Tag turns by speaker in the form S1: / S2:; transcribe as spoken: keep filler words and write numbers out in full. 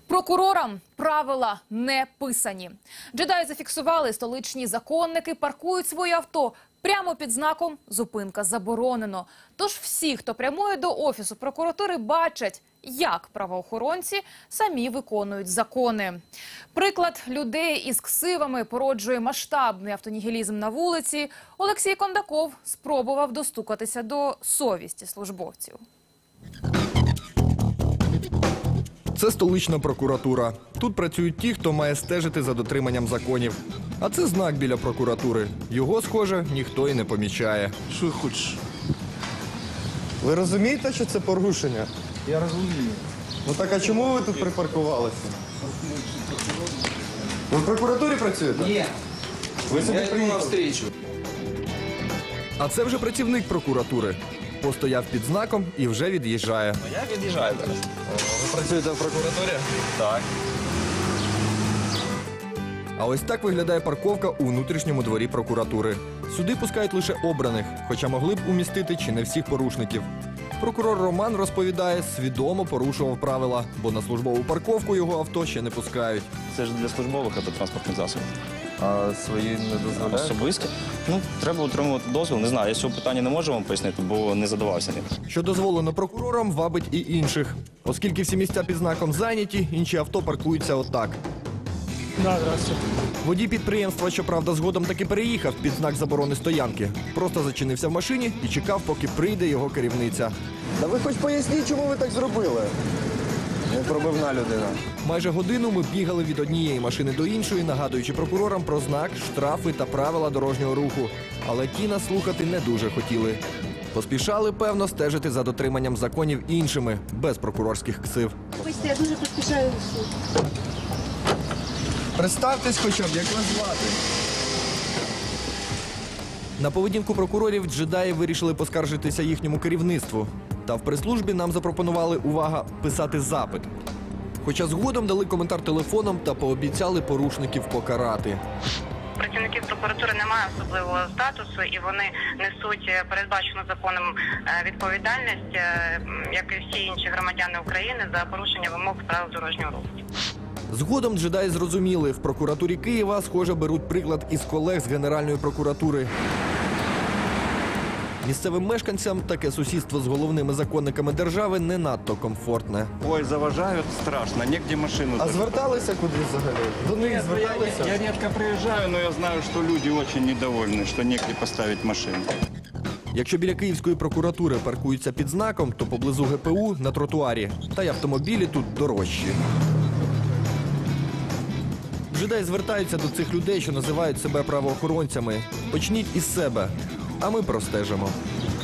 S1: Прокурорам правила не писані. Джедаї зафіксували, столичні законники паркують свої авто прямо під знаком «Зупинка заборонено». Тож всі, хто прямує до Офісу прокуратури, бачать, як правоохоронці самі виконують закони. Приклад людей із ксивами породжує масштабний автонігілізм на вулиці. Олексій Кондаков спробував достукатися до совісті службовців.
S2: Це столична прокуратура. Тут працюють ті, хто має стежити за дотриманням законів. А це знак біля прокуратури. Його, схоже, ніхто і не помічає.
S3: Що хочеш?
S4: Ви розумієте, що це порушення?
S3: Я розумію.
S4: Ну так а чому ви тут припаркувалися? Ви в прокуратурі працюєте?
S3: Ні.
S4: Ви сюди
S3: Я йду на
S4: приїхали?
S3: встречу.
S2: А це вже працівник прокуратури. Постояв під знаком і вже від'їжджає.
S5: Я від'їжджаю зараз.
S4: Ви працюєте в прокуратурі?
S5: Так.
S2: А ось так виглядає парковка у внутрішньому дворі прокуратури. Сюди пускають лише обраних, хоча могли б умістити чи не всіх порушників. Прокурор Роман розповідає, свідомо порушував правила, бо на службову парковку його авто ще не пускають.
S5: Це ж для службових автотранспортних засобів.
S4: А свої не дозволяють?
S5: Особисті. Ну, треба отримувати дозвіл. Не знаю, я цього питання не можу вам пояснити, бо не задавався ним.
S2: Що дозволено прокурорам, вабить і інших. Оскільки всі місця під знаком зайняті, інші авто паркуються отак.
S6: Да, здравствуйте.
S2: Водій підприємства, щоправда, згодом таки переїхав під знак заборони стоянки. Просто зачинився в машині і чекав, поки прийде його керівниця.
S4: Та ви хоч поясніть, чому ви так зробили? Непробивна людина.
S2: Майже годину ми бігали від однієї машини до іншої, нагадуючи прокурорам про знак, штрафи та правила дорожнього руху. Але ті нас слухати не дуже хотіли. Поспішали, певно, стежити за дотриманням законів іншими, без прокурорських ксив.
S7: Вибачте, я дуже поспішаю в суд.
S4: Представтесь хоча б, як вас звати?
S2: На поведінку прокурорів джедаї вирішили поскаржитися їхньому керівництву. Та в прес-службі нам запропонували, увага, писати запит. Хоча згодом дали коментар телефоном та пообіцяли порушників покарати.
S8: Працівників прокуратури немає особливого статусу, і вони несуть передбачену законом відповідальність, як і всі інші громадяни України, за порушення вимог правил дорожнього руху.
S2: Згодом джедаї зрозуміли, в прокуратурі Києва, схоже, беруть приклад із колег з Генеральної прокуратури. Місцевим мешканцям таке сусідство з головними законниками держави не надто комфортне.
S9: Ой, заважають страшно, негде машину.
S4: А зверталися кудись взагалі? До них зверталися?
S9: Я редко приезжаю, но я знаю, что люди очень недовольны, что негде поставить машину.
S2: Якщо біля Київської прокуратури паркуються під знаком, то поблизу ге пе у на тротуарі. Та й автомобілі тут дорожчі. Джедаї звертаються до цих людей, що називають себе правоохоронцями. Почніть із себе, а ми простежимо.